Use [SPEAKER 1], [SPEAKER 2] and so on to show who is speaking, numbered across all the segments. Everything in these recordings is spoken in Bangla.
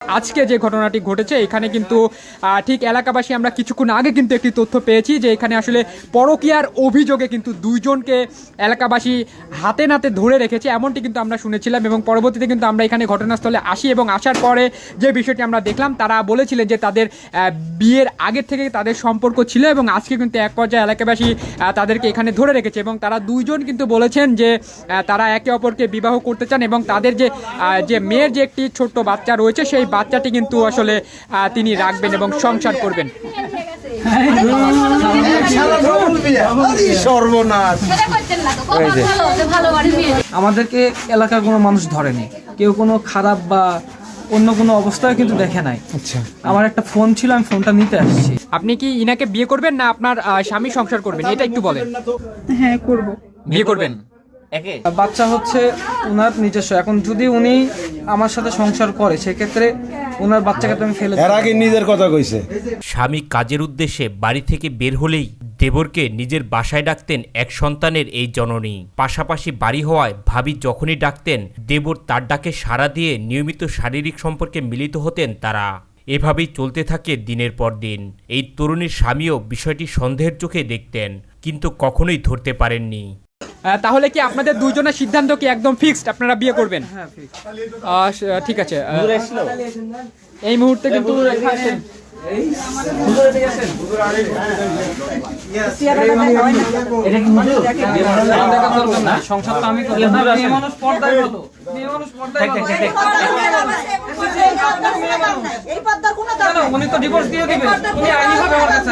[SPEAKER 1] আজকে যে ঘটনাটি ঘটেছে এখানে কিন্তু ঠিক এলাকাবাসী আমরা কিছুক্ষণ আগে কিন্তু একটি তথ্য পেয়েছি যে এখানে আসলে পরকীয়ার অভিযোগে কিন্তু দুইজনকে এলাকাবাসী হাতে নাতে ধরে রেখেছে, এমনটি কিন্তু আমরা শুনেছিলাম। এবং পরবর্তীতে কিন্তু আমরা এখানে ঘটনাস্থলে আসি এবং আসার পরে যে বিষয়টি আমরা দেখলাম, তারা বলেছিলেন যে তাদের বিয়ের আগের থেকে তাদের সম্পর্ক ছিল এবং আজকে কিন্তু এক পর্যায়ে এলাকাবাসী তাদেরকে এখানে ধরে রেখেছে এবং তারা দুইজন কিন্তু বলেছেন যে তারা একে অপরকে বিবাহ করতে চান এবং তাদের যে মেয়ের যে একটি ছোট্ট বাচ্চা রয়েছে সেই বাচ্চাটি কিন্তু আসলে তিনি রাখবেন এবং সংসার করবেন।
[SPEAKER 2] আমাদেরকে এলাকার কোনো মানুষ ধরেনি, কেউ কোনো খারাপ বা অন্য কোনো অবস্থায় কিন্তু দেখে নাই।
[SPEAKER 1] আচ্ছা,
[SPEAKER 2] আমার একটা ফোন ছিল, আমি ফোনটা নিতে আসছি।
[SPEAKER 1] আপনি কি ইনাকে বিয়ে করবেন না আপনার স্বামী সংসার করবেন, এটা একটু বলেন।
[SPEAKER 3] হ্যাঁ করব।
[SPEAKER 1] বিয়ে করবেন?
[SPEAKER 2] বাচ্চা হচ্ছে ওনার নিজস্ব। এখন যদি উনি আমার সাথে সংসার করে সেক্ষেত্রে ওনার বাচ্চাকে তো আমি ফেলে
[SPEAKER 4] এর আগে নিজের কথা কইছে।
[SPEAKER 5] স্বামী কাজের উদ্দেশ্যে বাড়ি থেকে বের হলেই দেবরকে নিজের বাসায় ডাকতেন এক সন্তানের এই জননী। পাশাপাশি বাড়ি হওয়ায় ভাবি যখনই ডাকতেন দেবর তার ডাকে সাড়া দিয়ে নিয়মিত শারীরিক সম্পর্কে মিলিত হতেন তারা। এভাবেই চলতে থাকে দিনের পর দিন। এই তরুণীর স্বামীও বিষয়টি সন্দেহের চোখে দেখতেন, কিন্তু কখনোই ধরতে পারেননি।
[SPEAKER 1] তাহলে কি আপনাদের দুইজনের সিদ্ধান্ত কি একদম ফিক্সড, আপনারা বিয়ে করবেন? ঠিক আছে, এই মুহূর্তে কিন্তু
[SPEAKER 2] উনি তো ডিভোর্স দিয়ে দিবে, উনি আইনিভাবে আমার কাছে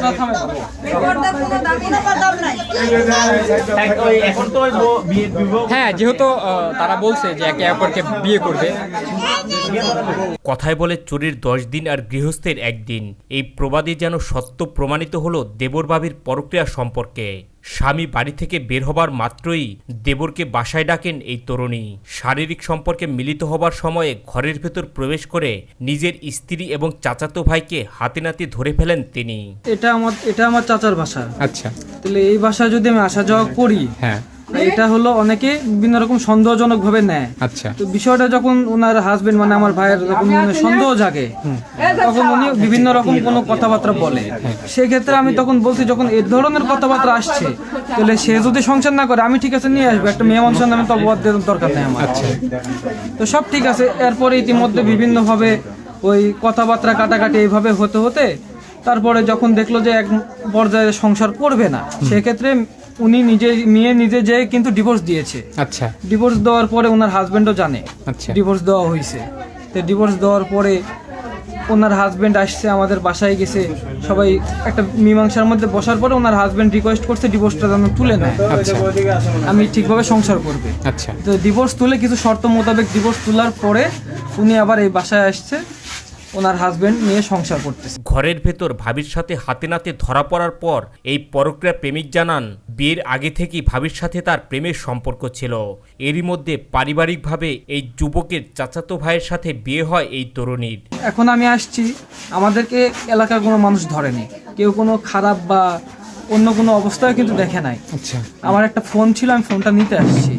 [SPEAKER 1] হ্যাঁ, যেহেতু তারা বলছে যে একে অপরকে বিয়ে করবে।
[SPEAKER 5] কথায় বলে চোরের 10 দিন আর গৃহস্থের 1 দিন। এই প্রবাদে যেন সত্য প্রমাণিত হলো দেবর ভাবির পরক্রিয়া সম্পর্কে। স্বামী বাড়ি থেকে বের হবার মাত্রই দেবরকে বাসায় ডাকেন এই তরুণী। শারীরিক সম্পর্কে মিলিত হবার সময়ে ঘরের ভেতর প্রবেশ করে নিজের স্ত্রী এবং চাচাতো ভাইকে হাতে নাতে ধরে ফেলেন তিনি।
[SPEAKER 2] এটা আমার চাচার বাসা।
[SPEAKER 1] আচ্ছা,
[SPEAKER 2] তাহলে এই বাসায় যদি আমি আসা যাওয়া করি,
[SPEAKER 1] হ্যাঁ,
[SPEAKER 2] এটা হলো অনেকে বিভিন্ন রকম সন্দেহজনক ভাবে নেয়।
[SPEAKER 1] আচ্ছা,
[SPEAKER 2] তো বিষয়টা যখন ওনার হাজবেন্ড মানে আমার ভাইয়ের যখন সন্দেহ জাগে তখন উনি বিভিন্ন রকম কোনো কথাবার্তা বলে। সেক্ষেত্রে আমি তখন বলছি যখন এই ধরনের কথাবার্তা আসছে তাহলে সে যদি সংসার না করে আমি ঠিক আছে নিয়ে আসবো, একটা মেয়ে মানুষের নামে তো অপবাদ দেওয়ার দরকার নেই আমার।
[SPEAKER 1] আচ্ছা,
[SPEAKER 2] তো সব ঠিক আছে। এরপরে ইতিমধ্যে বিভিন্নভাবে ওই কথাবার্তা কাটাকাটি এইভাবে হতে হতে তারপরে যখন দেখলো যে এক পর্যায়ে সংসার করবে না, সেক্ষেত্রে উনি নিজে যে কিন্তু ডিভোর্স দিয়েছে।
[SPEAKER 1] আচ্ছা,
[SPEAKER 2] ডিভোর্স দেওয়ার পরে ওনার হাজবেন্ডও জানে
[SPEAKER 1] আচ্ছা,
[SPEAKER 2] ডিভোর্স দেওয়া হয়েছে। তো ডিভোর্স দেওয়ার পরে ওনার হাজবেন্ড আসছে, আমাদের বাসায় গেছে, সবাই একটা মীমাংসার মধ্যে বসার পরে ওনার হাজবেন্ড রিকোয়েস্ট করছে ডিভোর্সটা যেন তুলে নেয়,
[SPEAKER 1] আচ্ছা,
[SPEAKER 2] আমি ঠিকভাবে সংসার করবে।
[SPEAKER 1] আচ্ছা,
[SPEAKER 2] তো ডিভোর্স তুলে কিছু শর্ত মোতাবেক ডিভোর্স তোলার পরে উনি আবার এই বাসায় আসছে, ওনার হাজবেন্ড নিয়ে সংসার করতেছে।
[SPEAKER 5] ঘরের ভেতর ভাবির সাথে হাতে নাতে ধরা পড়ার পর এই পরক্রিয়া প্রেমিক জানান বিয়ের আগে থেকেই ভাবির সাথে তার প্রেমের সম্পর্ক ছিল। এরই মধ্যে পারিবারিকভাবে এই যুবকের চাচাতো ভাইয়ের সাথে বিয়ে হয় এই তরুণীর।
[SPEAKER 2] এখন আমি আসছি, আমাদেরকে এলাকার কোনো মানুষ ধরেনি, কেউ কোনো খারাপ বা অন্য কোনো অবস্থায় কিন্তু দেখে নাই।
[SPEAKER 1] আচ্ছা,
[SPEAKER 2] আমার একটা ফোন ছিল, আমি ফোনটা নিতে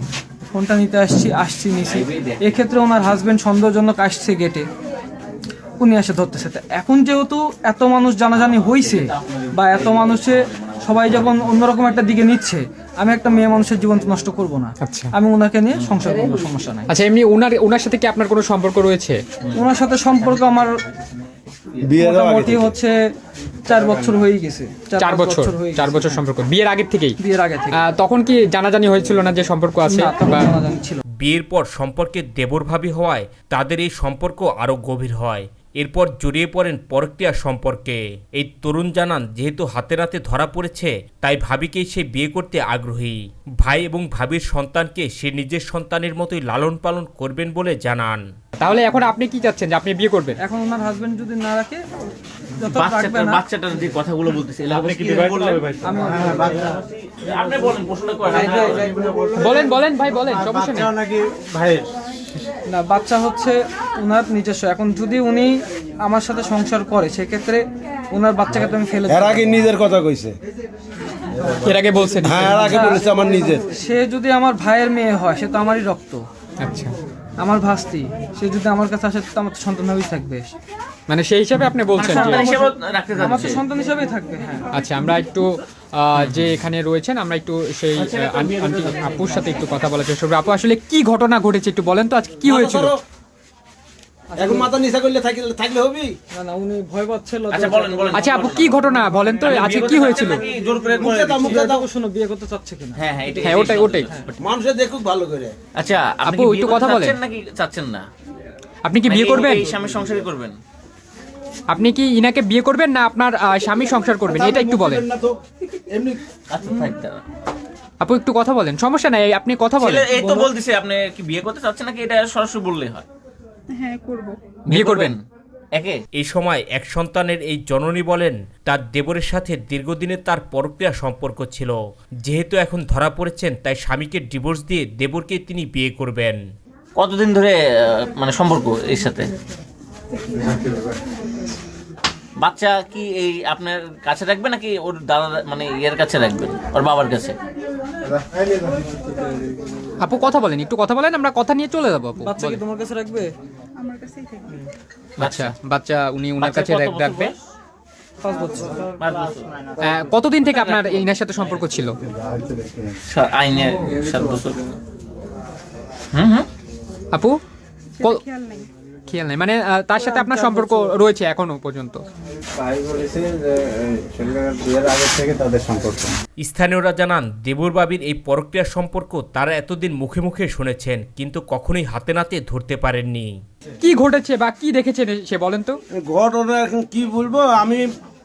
[SPEAKER 2] আসছি নিছি। এক্ষেত্রে ওনার হাজবেন্ড সন্দেহজনক আসছে গেটে, উনি এসে ধরতেছে। এখন যেহেতু এত মানুষ জানাজানি হয়েছে বা এত মানুষে সবাই যখন অন্যরকম একটা দিকে নিচ্ছে, আমি একটা মেয়ে মানুষের জীবন নষ্ট করব না।
[SPEAKER 1] আচ্ছা,
[SPEAKER 2] আমি ওনাকে নিয়ে সংসার করবো, সমস্যা নাই।
[SPEAKER 1] আচ্ছা, এমনি ওনার সাথে কি আপনার কোনো সম্পর্ক রয়েছে?
[SPEAKER 2] ওনার সাথে সম্পর্ক আমার মোটামুটি হচ্ছে 4 বছর হয়ে গেছে।
[SPEAKER 1] 4 বছর সম্পর্ক বিয়ের আগে থেকেই?
[SPEAKER 2] বিয়ের আগে থেকে।
[SPEAKER 1] তখন কি জানাজানি হয়েছিল না যে সম্পর্ক আছে?
[SPEAKER 5] বিয়ের পর সম্পর্কে দেবর ভাবি হওয়ায় তাদের এই সম্পর্ক আরো গভীর হয়। এরপর জড়িয়ে পড়েন পরক্রিয়া সম্পর্কে। এই তরুণ জানান যেহেতু হাতে নাতে ধরা পড়েছে তাই ভাবিকেই সে বিয়ে করতে আগ্রহী। ভাই এবং ভাবির সন্তানকে সে নিজের সন্তানের মতোই লালন পালন করবেন বলে জানান।
[SPEAKER 1] তাহলে এখন আপনি কি চাচ্ছেন যে আপনি বিয়ে করবেন?
[SPEAKER 2] এখন ওনার হাজবেন্ড যদি না রাখে,
[SPEAKER 6] বাচ্চাটার যে কথাগুলো বলতেছে
[SPEAKER 1] বলেন ভাই, বলেন, সমস্যা নেই।
[SPEAKER 2] না, বাচ্চা হচ্ছে ওনার নিজস্ব। এখন যদি উনি আমার সাথে সংসার করে সেক্ষেত্রে ওনার বাচ্চাকে তো আমি ফেলে
[SPEAKER 4] এর আগে নিজের কথা কইছে,
[SPEAKER 1] এর আগে বলছেন?
[SPEAKER 4] হ্যাঁ, এর আগে বলেছে আমার নিজের।
[SPEAKER 2] সে যদি আমার ভাইয়ের মেয়ে হয় সে তো আমারই রক্ত।
[SPEAKER 1] আচ্ছা,
[SPEAKER 2] আমার ভাস্তি, সে যদি আমার কাছে আসে তো আমার তো সন্তান হবেই থাকবে,
[SPEAKER 1] মানে সেই হিসাবে আপনি বলছেন যে
[SPEAKER 6] সন্তান হিসেবে রাখতে
[SPEAKER 2] আমার তো
[SPEAKER 6] চাচ্ছে।
[SPEAKER 2] সন্তান হিসেবেই থাকবে। হ্যাঁ,
[SPEAKER 1] আচ্ছা, আমরা একটু যে এখানে রয়েছেন আমরা একটু সেই আন্টি আপুর সাথে একটু কথা বলার চেষ্টা করবো। আপু, আসলে কি ঘটনা ঘটেছে একটু বলেন তো, আজকে কি হয়েছিল?
[SPEAKER 4] এখন মাথা নিচা করলে থাকলে হবি?
[SPEAKER 2] না না, উনি ভয় পাচ্ছিল।
[SPEAKER 6] আচ্ছা বলেন বলেন।
[SPEAKER 1] আচ্ছা আপু, কি ঘটনা বলেন তো, আজকে কি হয়েছিল?
[SPEAKER 6] নাকি জোর করে
[SPEAKER 4] মুখে দাও, মুখে দাও।
[SPEAKER 2] শোনো, বিয়ে করতে চাচ্ছে কিনা?
[SPEAKER 6] হ্যাঁ হ্যাঁ
[SPEAKER 1] হ্যাঁ, ওটাই।
[SPEAKER 4] মানুষে দেখুক ভালো করে।
[SPEAKER 6] আচ্ছা আপনি
[SPEAKER 1] আপু,
[SPEAKER 6] কি
[SPEAKER 1] একটু
[SPEAKER 6] বিয়ে
[SPEAKER 1] কথা
[SPEAKER 6] করতে
[SPEAKER 1] বলেন।
[SPEAKER 6] চাচ্ছেন নাকি চাচ্ছেন না?
[SPEAKER 1] আপনি কি বিয়ে
[SPEAKER 6] নাকি
[SPEAKER 1] করবেন?
[SPEAKER 6] এই স্বামীর সংসারই করবেন?
[SPEAKER 1] আপনি কি ইনাকে বিয়ে করবেন না আপনার স্বামী সংসার করবেন, এটা একটু বলেন।
[SPEAKER 4] না তো এমনি
[SPEAKER 6] আচ্ছা থাক দাঁড়া।
[SPEAKER 1] আপু একটু কথা বলেন, সমস্যা নাই, আপনি কথা বলেন।
[SPEAKER 6] ছেলে এই তো বলতেছে আপনি কি বিয়ে করতে চাচ্ছেন নাকি, এটা সরাসরি বললেই হয়।
[SPEAKER 3] হ্যাঁ করব।
[SPEAKER 1] বিয়ে করবেন?
[SPEAKER 6] একে
[SPEAKER 5] এই সময় এক সন্তানের এই জননী বলেন তার দেবরের সাথে দীর্ঘদিনের তার পরক্রিয়া সম্পর্ক ছিল। যেহেতু এখন ধরা পড়েছেন তাই স্বামীকে ডিভোর্স দিয়ে দেবরকে তিনি বিয়ে করবেন।
[SPEAKER 6] কতদিন ধরে মানে সম্পর্ক এর সাথে? বাচ্চা কি এই আপনার কাছে রাখবেন নাকি ওর দাদা মানে ইয়ের কাছে রাখবেন, ওর বাবার কাছে?
[SPEAKER 1] আপু কথা বলেন, একটু কথা বলেন, আমরা কথা নিয়ে চলে যাবো। আপু
[SPEAKER 2] বাচ্চা কি তোমার কাছে রাখবে?
[SPEAKER 3] আমার কাছেই থাকবে।
[SPEAKER 1] আচ্ছা, বাচ্চা উনি উনার কাছে
[SPEAKER 6] বাচ্চার কত বছর
[SPEAKER 1] রাখবে।
[SPEAKER 6] বয়স?
[SPEAKER 2] 5 বছর।
[SPEAKER 6] 5 বছর।
[SPEAKER 1] কতদিন থেকে আপনার ইনার সাথে সম্পর্ক ছিল?
[SPEAKER 6] আইনে 7 বছর। হুম।
[SPEAKER 1] আপু
[SPEAKER 3] সেটা খেয়াল নাই।
[SPEAKER 1] খেয়াল নাই, মানে তার সাথে আপনার সম্পর্ক রয়েছে এখনো পর্যন্ত?
[SPEAKER 7] তাই বলেছে যে ছেলের বিয়ের আগে থেকে তাদের সম্পর্ক।
[SPEAKER 5] স্থানীয়রা জানান দেবর বাবির এই পরক্রিয়া সম্পর্ক তারা এতদিন মুখে মুখে শুনেছেন, কিন্তু কখনোই হাতে নাতে ধরতে পারেননি।
[SPEAKER 1] কি ঘটেছে বা কি দেখেছেন সে বলেন তো?
[SPEAKER 4] ঘটনা এখন কি বলবো, আমি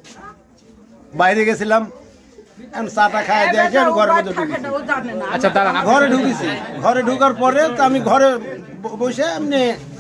[SPEAKER 4] বাইরে গেছিলাম, এখন চাটা খাই দিয়েছি, আমি ঘরের মধ্যে ঢুকেছি।
[SPEAKER 3] ও জানে না।
[SPEAKER 1] আচ্ছা দাঁড়ান,
[SPEAKER 4] ঘরে ঢুকেছি, ঘরে ঢুকার পরে তো আমি ঘরে বসে এমনি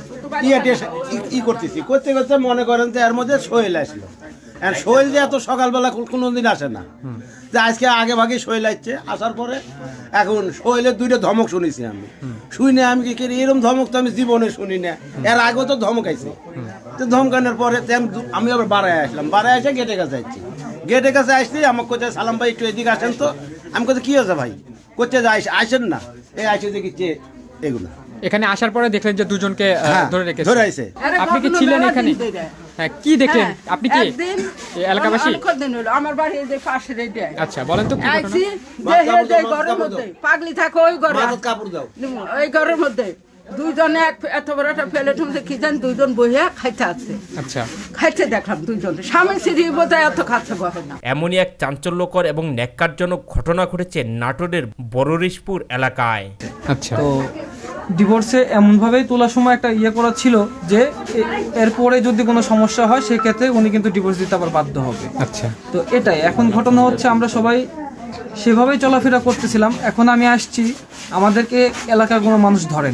[SPEAKER 4] ই করতেছি, করতে করতে মনে করেন যে এর মধ্যে সোহেল আসলো। আর সোহেল যে এত সকালবেলা কোনোদিন আসে না, যে আজকে আগে ভাগে সোহেল আসছে। আসার পরে এখন সোহেলের 2টা ধমক শুনেছি আমি, শুনে আমি কি এরকম ধমক তো আমি জীবনে শুনি না, এর আগেও তো ধমক আইছে। তো ধমকানোর পরে আমি আবার বাড়ায় আসলাম, বাড়ায় এসে গেটের কাছে আসছি। গেটের কাছে আসছি, আমাকে কোথায় সালাম ভাই একটু এদিকে আসেন তো। আমি কোথায় কি হয়েছে ভাই, কোথায় যে আসেন না, এই আসে দেখি এগুলো।
[SPEAKER 1] এখানে আসার পরে দেখলেন যে দুজনকে ধরে রেখেছে,
[SPEAKER 4] ধরে আইছে।
[SPEAKER 1] আপনি কি ছিলেন এখানে? হ্যাঁ, কি দেখলেন আপনি? কি
[SPEAKER 3] একদিন
[SPEAKER 1] এই এলাকাবাসী?
[SPEAKER 3] অনেকদিন হলো আমার বাড়ি এই যে পাশের এইটা।
[SPEAKER 1] আচ্ছা বলেন তো কি ঘটনা?
[SPEAKER 3] আইছি যে হে যে ঘরের মধ্যে পাগলি থাকে ওই ঘরে,
[SPEAKER 4] মাথার কাপড় দাও।
[SPEAKER 3] ওই ঘরের মধ্যে দুইজনে এত বড় একটা প্লেট মধ্যে কি জান দুইজন বইয়া খাইতে আছে।
[SPEAKER 1] আচ্ছা,
[SPEAKER 3] খাইতে দেখলাম দুইজন স্বামী স্ত্রী বোধহয় এত খাচ্ছে বহে না।
[SPEAKER 5] এমনই এক চাঞ্চল্যকর এবং ন্যাক্কারজনক ঘটনা ঘটেছে নাটোরের বড়রিশপুর এলাকায়।
[SPEAKER 1] আচ্ছা,
[SPEAKER 2] তো ডিভোর্সে এমনভাবেই তোলার সময় একটা ইয়ে করা ছিল যে এরপরে যদি কোনো সমস্যা হয় সেক্ষেত্রে উনি কিন্তু ডিভোর্স দিতে আবার বাধ্য হবে।
[SPEAKER 1] আচ্ছা,
[SPEAKER 2] তো এটাই এখন ঘটনা হচ্ছে, আমরা সবাই সেভাবেই চলাফেরা করতেছিলাম। এখন আমি আসছি, আমাদেরকে এলাকার কোনো মানুষ ধরে